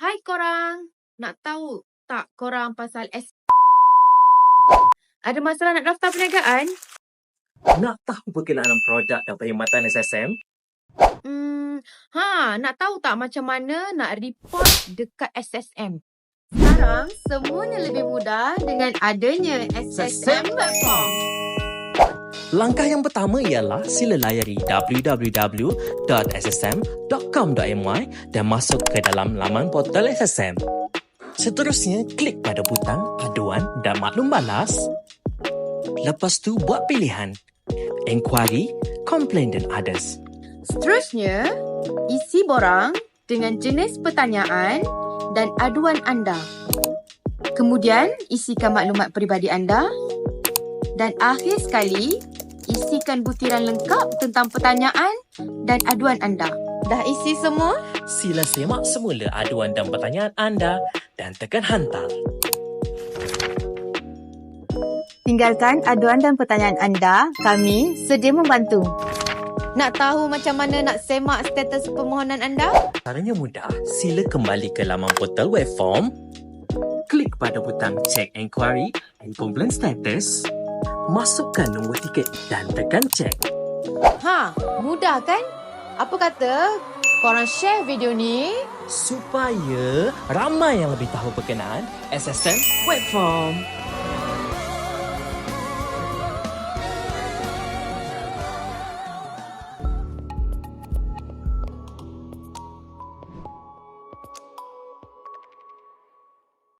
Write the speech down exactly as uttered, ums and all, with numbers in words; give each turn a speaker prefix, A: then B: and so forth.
A: Hai korang, nak tahu tak korang pasal S... Ada masalah nak daftar perniagaan?
B: Nak tahu berkenaan produk dan perkhidmatan S S M?
A: Hmm, ha, nak tahu tak macam mana nak report dekat S S M? Sekarang, semuanya lebih mudah dengan adanya S S M Platform.
B: Langkah yang pertama ialah sila layari w w w dot s s m dot com dot m y dan masuk ke dalam laman portal S S M. Seterusnya, klik pada butang aduan dan maklum balas. Lepas tu, buat pilihan Enquiry, Complain dan Others.
A: Seterusnya, isi borang dengan jenis pertanyaan dan aduan anda. Kemudian, isikan maklumat peribadi anda. Dan akhir sekali, isikan butiran lengkap tentang pertanyaan dan aduan anda. Dah isi semua?
B: Sila semak semula aduan dan pertanyaan anda dan tekan hantar.
A: Tinggalkan aduan dan pertanyaan anda, kami sedia membantu. Nak tahu macam mana nak semak status permohonan anda?
B: Caranya mudah. Sila kembali ke laman portal web form. Klik pada butang Check Enquiry and Complaint Status. Masukkan nombor tiket dan tekan check.
A: Ha, mudah kan? Apa kata korang share video ni
B: Supaya ramai yang lebih tahu berkenaan S S M web form.